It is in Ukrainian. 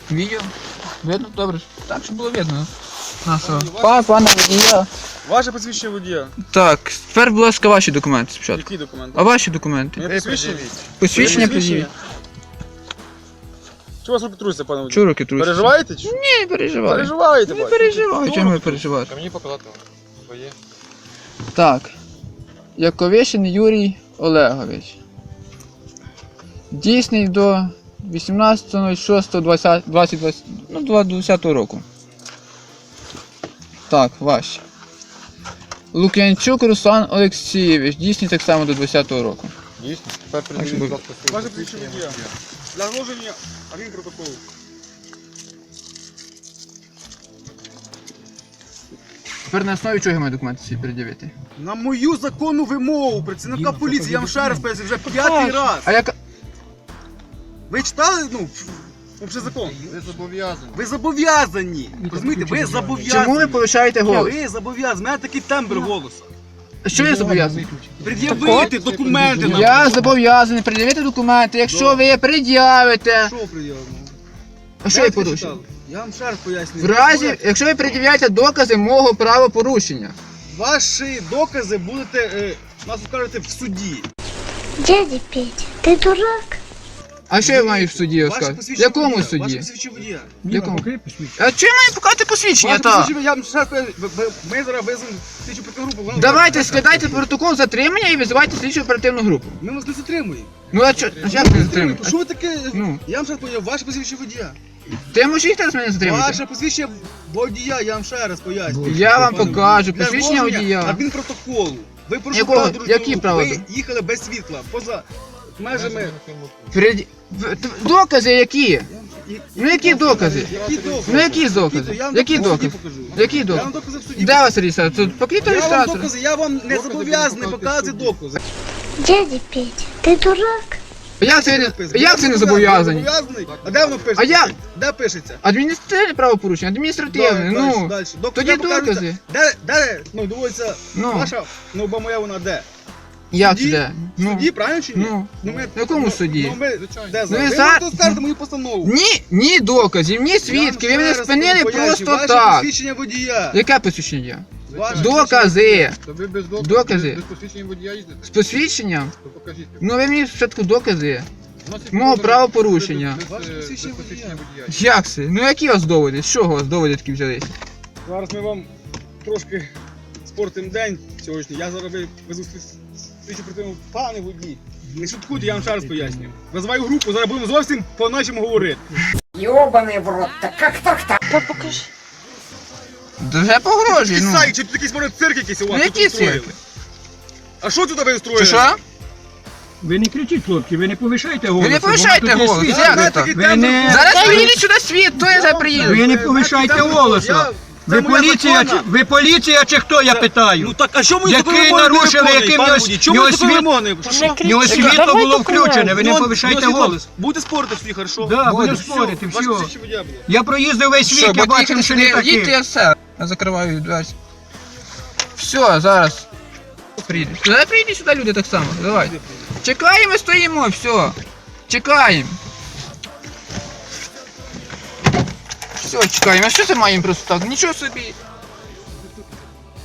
Відео. Видно? Добре. Так, щоб було видно. Нашого. Пане водія. Ваше посвідчення водія. Так, тепер, будь ласка, ваші документи спочатку. Які документи? А ваші документи? Мене посвідчення? Посвідчення пред'явіть. Чого вас руки трусяться, пане водій? Чого руки трусяться? Переживаєте? Чи? Ні, не переживай. Переживаєте, Не бачу. переживай, чому ви переживаєте? Мені показати своє. Так. Яковишин Юрій Олегович. Дійсний до 18.06.2020 року. Так, ваші. Лук'янчук Руслан Олексійович. Дійсний так само до 20-го року. Дійсно? Тепер що приділіть, ви- будь ласка, своє Ваше посвідчення водія. Для зложення адмінпротоколу. Тепер на основі чого я маю документи ці пред'явити? На мою законну вимогу працівника поліції, я вам ще раз поясню, вже 5-й раз. А яка... Ви читали, взагалі закон? Ви зобов'язані. Ви зобов'язані. Розумієте, ви зобов'язані. Чому ви повишаєте голос? Ви зобов'язані. У мене такий тембр голосу. Що я зобов'язаний? Пред'явити документи нам. Я зобов'язаний пред'явити документи, якщо ви пред'явите. Що пред'явимо? А що я порушив? читали? Я вам ще раз пояснюю. В разі, якщо ви пред'являєте докази мого правопорушення. Ваші докази будете, нас скажете, в суді. Дядя Петя, ты дурак? А що я маю в суді Ваше сказати? В посвідчення якому водія. Ваше суді? посвідчення водія. В якому? А чого я маю показати посвідчення? Ваше Та? посвідчення, я вам ще раз поясню. Ми зараз веземо слідчу оперативну групу. вона Давайте буде- складайте протокол затримання і визивайте слідчу оперативну групу. Ми вас не затримуємо. Ну а чо, як не затримуєте? Що ви таке? Ну. Я вам ще раз поясню. Ваше посвідчення водія. Ти можеш їх зараз мене затримати? Ваше посвідчення водія, я вам ще раз пояснюю. Я вам Пане покажу, Для посвідчення зложення водія. адмінпротоколу. Ви порушили Якого? правила дорожнього Які руху. правила? Ви їхали без світла, поза межами. Докази які? І- Ну які докази? Які докази? Ну які докази? Я вам Які докази в суді докази? покажу. Які Я вам докази? докази в суді Де вас реєстратор? Тут покрито Я вам реєстратор. докази, я вам не зобов'язаний показувати докази. Дядя Петя, ты дурак? Як це не зобов'язані? А де воно пишеться? А я- Де пишеться? Адміністративне правопорушення, адміністративне, ну. Далі. Тоді докази. Де, доводиться, Ну. ваша, бо моя вона де? Як Суді? це? В Ну. суді, правильно чи ні? Ну. Ми, В якому суді? Ми, де Ну, ви ви за- можете скажете мою постанову. Ні доказів, ні свідки, ви мене спинили просто Ваше так. посвідчення водія. Яке посвідчення? Ваше Докази. То ви без Докази. без посвідчення водія їздите? З посвідченням? То покажіть. Ну ви мені спочатку докази. Вносить Мого докази правопорушення. без Ваше посвідчення посвідчення водія. Як це? Ну які у вас доводи? З чого у вас доводи такі взялися? Зараз ми вам трошки спортимо день сьогодні. Я зараз везу слідчу противну пане водій. Не шуткуйте, я вам ще раз пояснюю. Визиваю групу, зараз будемо зовсім по-нашому говорити. Ёбаный в рот, да как так-то? Вже погрожує, ну. Сай, чи тут якийсь може цирк якийсь у вас Ну, тут який устроїли? цирк? А що тут ви устроїли? Чи що? Ви не кричіть, хлопці, ви не повишайте голос. Ви не повишайте голос, Я як знаю це? такий Ви тембр не- голосу. Зараз приїдуть сюди світ, то я зараз приїду. Ви не повишайте тембр голосу. голосу. Ви Це моя поліція, законна. ви поліція чи хто, я питаю? Ну так, а що ми Який нарушили, яким Чому ви світ- вимоги? В нього світло було включене, ви не повишайте голос. Будете спорити всі, хорошо? Да, будемо Все, спорити, ваше все. посвідчення водія було. Я проїздив весь Що, світ, я бо бачив, що не їдьте, такі. я все. Я закриваю двері. Все, зараз. Приїдуть. Зараз приїдуть сюди люди так само, давай. Чекаємо, стоїмо, все. Чекаємо. Все, чекаємо. А що це маємо просто так? Нічого собі.